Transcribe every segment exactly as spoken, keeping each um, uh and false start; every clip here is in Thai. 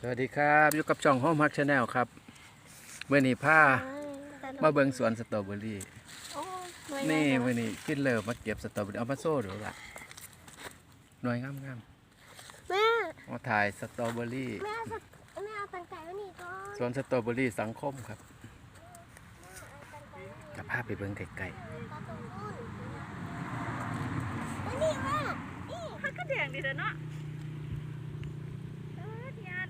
วัสดีครับอยู่กับช่องโฮมฮักชาแนลครับเมื่อนี้ผ้ามาเบิ่งสวนสตรอเบอรี่นี่เมื่อนี้ขึ้นเลิฟมาเก็บสตรอเบอรี่เอามาโซ่ดูละหน่วยงามงามแม่มาถ่ายสตรอเบอรี่แม่แม่เอาตังไก่มาหนีก่อนสวนสตรอเบอรี่สังคมครับกับภาพไปเบิ่งไกลๆนี่แม่นี่มันก็แดงดีเลยเนาะเออเทียน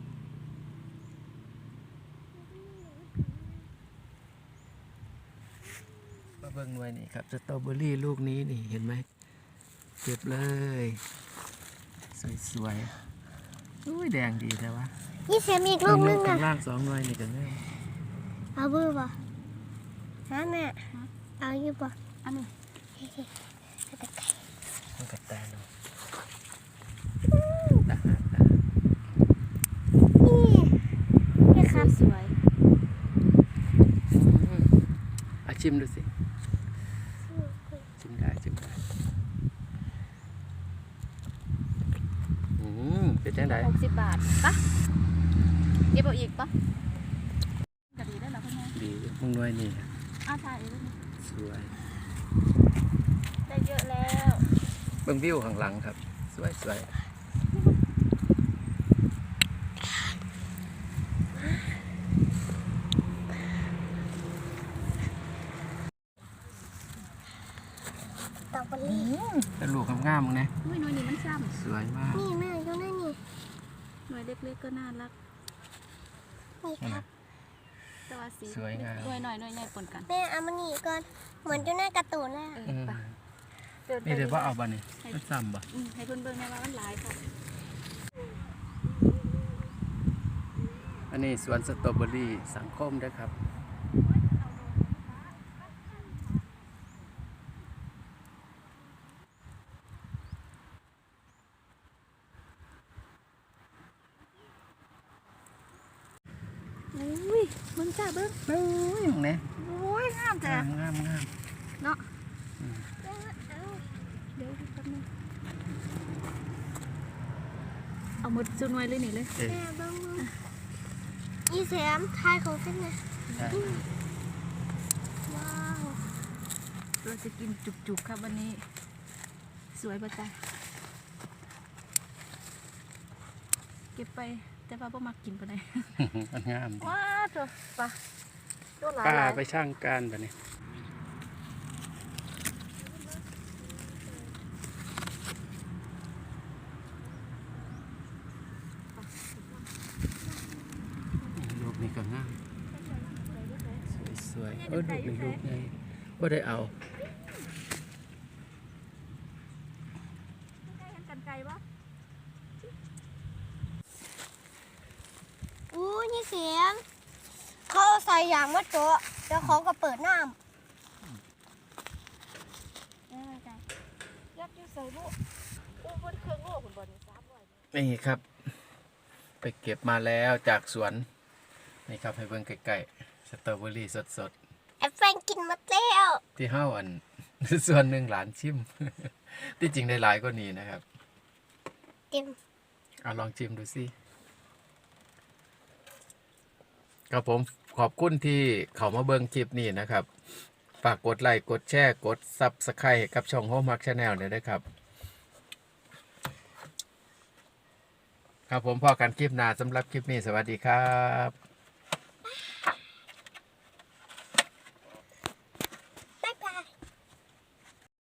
มาเบิ่งหน่วยนี่ครับสตรอเบอรี่ลูกนี้นี่เห็นไหมเก็บเลยสวยๆอุ้ยแดงดีแต่ว่านี่เสียมีอีกลูกนึงข้านะงล่างสองหน่วยนี่กันแน่เอาบื้อป่ะฮะแม่เอาอยู่ป่ะอันนี้เอาตังไก่ต้องกัดตาเนาะตาตานี่นี่ครับสวยอาชิมดูสิชิมได้ชิมได้อืมเป็นจังไดหกสิบบาทปะเก็บเอาอีกปะกะดีได้แล้วพ่อแม่ดีมึงหน่วยนี่อ้าวถ่ายอีกแล้วสวยได้เยอะแล้วเบิ่งวิวข้างหลังครับสวยสวยตอกบอลลี่แต่ลูกงามๆมึงนะอุ้ยหน่วยนี้มันซ้สวยมากนี่แม่อยู่นั่นนี่ำหน่วยเล็กๆก็น่ารักนี่ครับแต่ว่าสีสวยงามหน่วยหน่อยหน่วยใหญ่ปนกันแม่เอามาหนีก่อนเหมือนอยู่ในการ์ตูนเลยเออะออืมปะเดินไปนี่เดี๋ยวว่าเอาบ่นี่มันซ้ำบ่อืมให้เพิ่นเบิ่งได้ว่ามันหลายค่ะอันนี้สวนสตรอเบอรี่สังคมด้วยครับอุ้ยเบิ่งจ้าเบิ่งเอ้ยมึงเนี่ยโอ้ยงามจ้ะงามงามงามเนาะแม่เอาเดี๋ยวแป๊บนึงเอาหมดจุดหน่วยเลยนี่เลยเออแม่เบ้างมืออีเสียมทายของเส้นนะใช่ว้าวเราจะกินจุกๆครับวันนี้ สวยปะจ๊ะเก็บไปแต่ว่าพ่อมากินปะไหนมันงามว้าตัวปะตัวหลายป้าหลายไปช่างการแบบนี้ลูกนี่ก็งามสวยๆเออลูกนี่ลูกไงก็ได้เอากันไกลปะอู้นี่เสียมเขาเอาใส่ยางมาโจ๊ะแล้วเขาก็เปิดน้ำเออจ้ะยัดยูใส่ลูกอู้บนเครื่องโลกคุณบอลนี่สามร้อยนี่ครับ ไปเก็บมาแล้วจากสวนนี่ครับให้เบิ่งใกล้ๆสตรอเบอรี่สดแอปเปิลกินหมดแล้วๆที่เฮ้าอัน ส่วนหนึ่งหลานชิม ที่จริงได้หลายกว่านี้นะครับเต็มเอาลองชิมดูสิครับผมขอบคุณที่เขามาเบิ่งคลิปนี้นะครับ ฝากกดไลค์กดแชร์กดซับสไครต์กับช่องโฮมฮักชาแนลเนี่ยด้วยครับ ครับผมพอกันคลิปหน้าสำหรับคลิปนี้สวัสดีครับ